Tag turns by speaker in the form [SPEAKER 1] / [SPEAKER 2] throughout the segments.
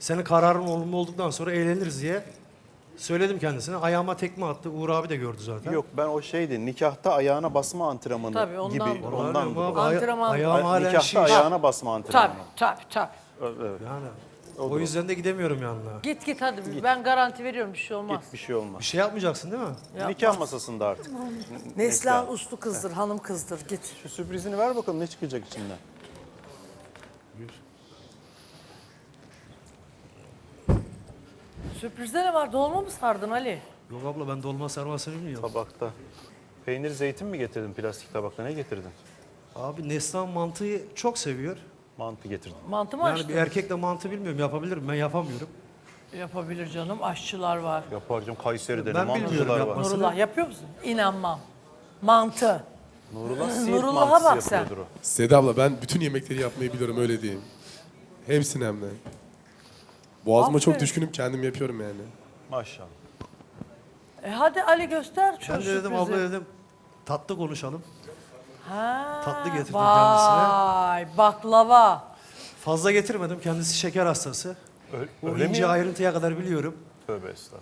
[SPEAKER 1] Senin kararın olumlu olduktan sonra eğleniriz diye söyledim kendisine. Ayağıma tekme attı. Uğur abi de gördü zaten.
[SPEAKER 2] Yok ben o şeydi nikahta ayağına basma antrenmanı
[SPEAKER 3] Tabii, ondan
[SPEAKER 2] gibi.
[SPEAKER 3] dolayı.
[SPEAKER 2] Ondan
[SPEAKER 1] Öyle mi abi?
[SPEAKER 2] dolayı.
[SPEAKER 3] Antrenman-
[SPEAKER 1] Ayağım halen
[SPEAKER 2] Nikahta
[SPEAKER 1] şiş.
[SPEAKER 2] ayağına basma antrenmanı.
[SPEAKER 3] Tabii.
[SPEAKER 2] Evet.
[SPEAKER 1] Yani o yüzden de gidemiyorum yanına.
[SPEAKER 3] Git hadi. Ben garanti veriyorum, bir şey olmaz.
[SPEAKER 2] Git bir şey olmaz.
[SPEAKER 1] Bir şey yapmayacaksın değil mi?
[SPEAKER 3] Yapmaz.
[SPEAKER 2] Nikah masasında artık.
[SPEAKER 3] Neslihan uslu kızdır, hanım kızdır. Git.
[SPEAKER 2] Şu sürprizini ver bakalım ne çıkacak içinden.
[SPEAKER 3] Sürprizde ne var? Dolma mı sardın Ali?
[SPEAKER 1] Yok abla ben dolma sarmasını bilmiyorum.
[SPEAKER 2] Tabakta. Peynir zeytin mi getirdin plastik tabakta? Ne getirdin?
[SPEAKER 1] Abi Neslihan mantıyı çok seviyor.
[SPEAKER 2] Mantı getirdim.
[SPEAKER 3] Mantı mı
[SPEAKER 1] Yani
[SPEAKER 3] açtın?
[SPEAKER 1] bir erkek de mantı bilmiyorum. Yapabilirim. Ben yapamıyorum.
[SPEAKER 3] Yapabilir canım. Aşçılar var.
[SPEAKER 2] Yaparcığım Kayseri'de ne
[SPEAKER 1] Ben bilmiyorum
[SPEAKER 2] mantıcılar var.
[SPEAKER 1] yapmasını.
[SPEAKER 3] Nurullah yapıyor musun? İnanmam. Mantı.
[SPEAKER 2] Siirt
[SPEAKER 3] Nurullah'a
[SPEAKER 2] mantısı
[SPEAKER 3] bak sen.
[SPEAKER 2] yapıyordur o.
[SPEAKER 4] Seda abla ben bütün yemekleri yapmayı biliyorum öyle diyeyim. Hepsini hem de. Boğazıma çok
[SPEAKER 3] Aferin.
[SPEAKER 4] düşkünüm kendim yapıyorum yani.
[SPEAKER 2] Maşallah.
[SPEAKER 3] Hadi Ali göster şu
[SPEAKER 1] Ben de dedim
[SPEAKER 3] sürprizi.
[SPEAKER 1] abla dedim tatlı konuşalım.
[SPEAKER 3] Ha,
[SPEAKER 1] tatlı getirdim
[SPEAKER 3] vay, baklava.
[SPEAKER 1] Fazla getirmedim. Kendisi şeker hastası. O
[SPEAKER 2] Öyle mi
[SPEAKER 1] ince
[SPEAKER 2] ya?
[SPEAKER 1] ayrıntıya kadar biliyorum.
[SPEAKER 2] Tövbe estağfurullah.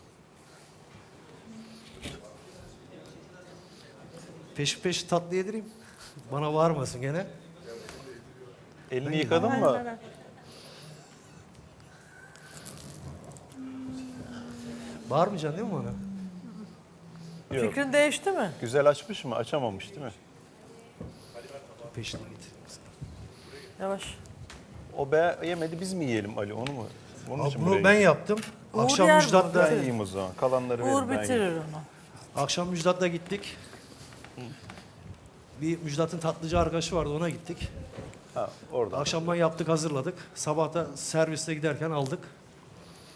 [SPEAKER 1] Peş tatlı yedireyim. Bana varmasın gene.
[SPEAKER 2] Elini yıkadın mı?
[SPEAKER 1] Bağırmayacaksın değil mi bana?
[SPEAKER 2] Yok.
[SPEAKER 3] Fikrin değişti mi?
[SPEAKER 2] Güzel açmış mı? Açamamış değil mi?
[SPEAKER 1] Peşine getir.
[SPEAKER 3] Yavaş.
[SPEAKER 2] O yemedi biz mi yiyelim Ali onu mu? Onun için buraya
[SPEAKER 1] Bunu ben yaptım.
[SPEAKER 3] Uğur
[SPEAKER 1] Akşam
[SPEAKER 3] yer mi?
[SPEAKER 1] Müjdat'la
[SPEAKER 2] Ben yiyeyim o zaman. Kalanları verin
[SPEAKER 3] Uğur
[SPEAKER 2] ben yiyeyim.
[SPEAKER 3] bitirir onu.
[SPEAKER 1] akşam Müjdat'la gittik. Bir Müjdat'ın tatlıcı arkadaşı vardı ona gittik.
[SPEAKER 2] Ha, orada.
[SPEAKER 1] Akşamdan yaptık hazırladık. Sabah da serviste giderken aldık.